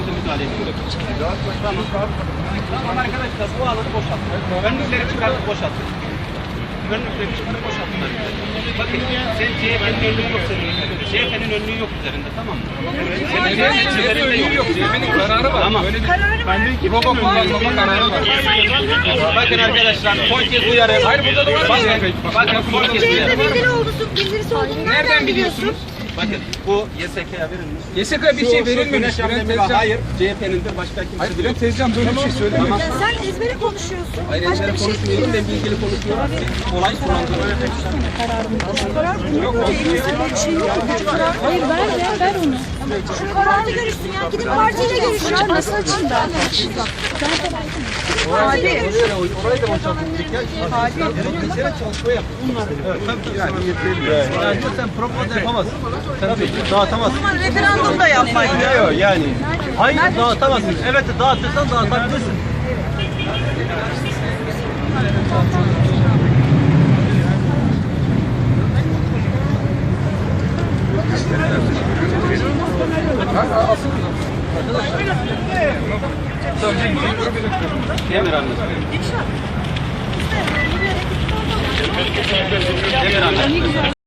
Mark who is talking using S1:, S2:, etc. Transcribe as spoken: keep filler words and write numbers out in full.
S1: gerekli müdahaleyi yapacağız. Tamam. Tamam arkadaşlar, bu alanı boşaltın. Önlükleri çıkartıp boşaltın. Önlükleri çıkartıp boşaltın. Bakın, sen C H P'nin önlüğü yok senin. C H P'nin önlüğü yok üzerinde, tamam mı? Senin C H P'nin önlüğü yok. C H P'nin kararı var. Tamam.
S2: Kararı var.
S1: Robo kullanmama kararı var. Bakın arkadaşlar, son kez uyarı. Hayır, burada da var. Bakın, bakın son kez
S2: C H P
S1: uyarı.
S2: bildiri oldusu, bildirisi olduğunu nereden biliyorsun?
S1: Bakın, bu Y S K'ya verilmiş.
S3: Y S K'ya bir şey verilmemiş.
S1: Bülent Tezcan. Hayır, C H P'nindir, başka kimse.
S3: Hayır, Bülent Tezcan böyle bir şey söylemiyor.
S2: Ya sen ezbere konuşuyorsun.
S1: Hayır,
S2: Başka
S1: ezbere
S2: bir şey
S1: konuşmuyorum, ben
S2: değil.
S1: bilgili konuşuyorum. Olay sulandırmaya
S2: Şu karar yok. Elimizde böyle bir şey yok. Hayır ver ya, ver onu. Şu kararda görüşsün ya. Gidip partiyle görüşün. Nasıl açayım ben? Hadi.
S1: orayı da boşalttık ya. Hadi. Mesela çalışma yap. Bunlar. Evet, tabii yani yeterli. Yani sen propaganda yapamazsın. Sen dağıtamazsın.
S2: Ama referandum da yapmayın.
S1: Yok yani. Hayır dağıtamazsın. Evet dağıtırsan dağıtabilirsin. Demir anlasın. Demir anlasın.